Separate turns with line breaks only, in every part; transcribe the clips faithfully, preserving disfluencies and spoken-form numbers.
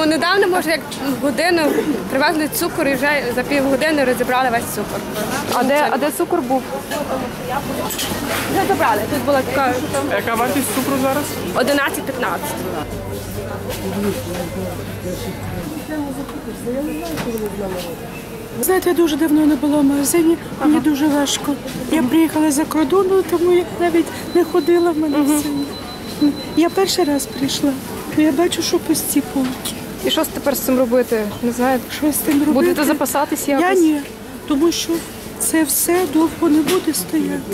Ну, недавно, може, як годину привезли цукор і вже за півгодини розібрали весь цукор.
А де, а де цукор був?
Вже забрали. Тут була така
А яка вартість цукру зараз?
одинадцять п'ятнадцять.
Знаєте, я дуже давно не була в магазині, мені ага. дуже важко. Я приїхала за кордону, тому я навіть не ходила в магазин. Угу. Я перший раз прийшла, то я бачу, що пусті полки.
І що тепер з цим робити? Не знаю.
Що з цим робити?
Будете запасатись якось?
Я ні, тому що це все довго не буде стояти.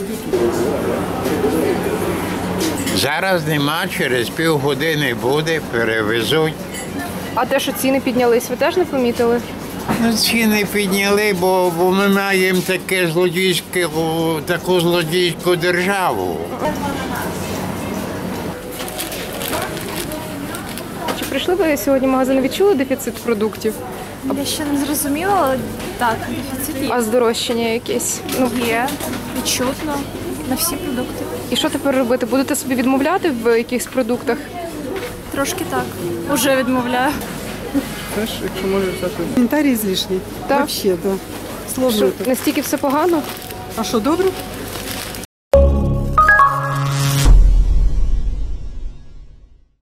Зараз нема, через півгодини буде, перевезуть.
А те, що ціни піднялись, ви теж не помітили?
Ну, ціни підняли, бо, бо ми маємо таке злодійське, таку злодійську державу.
Чи прийшли ви сьогодні в магазин, відчули дефіцит продуктів?
Я ще не зрозуміла, але так, дефіцит є.
А здорожчання якесь? Ну,
Є, відчутно, на всі продукти.
і що тепер робити? Будете собі відмовляти в якихось продуктах?
Трошки так, уже відмовляю.
Знаєш, якщо можеш взяти.
Коментарі злішні.
Так.
Взагалі, да. Сложно.
Що, настільки все погано?
А що, добре?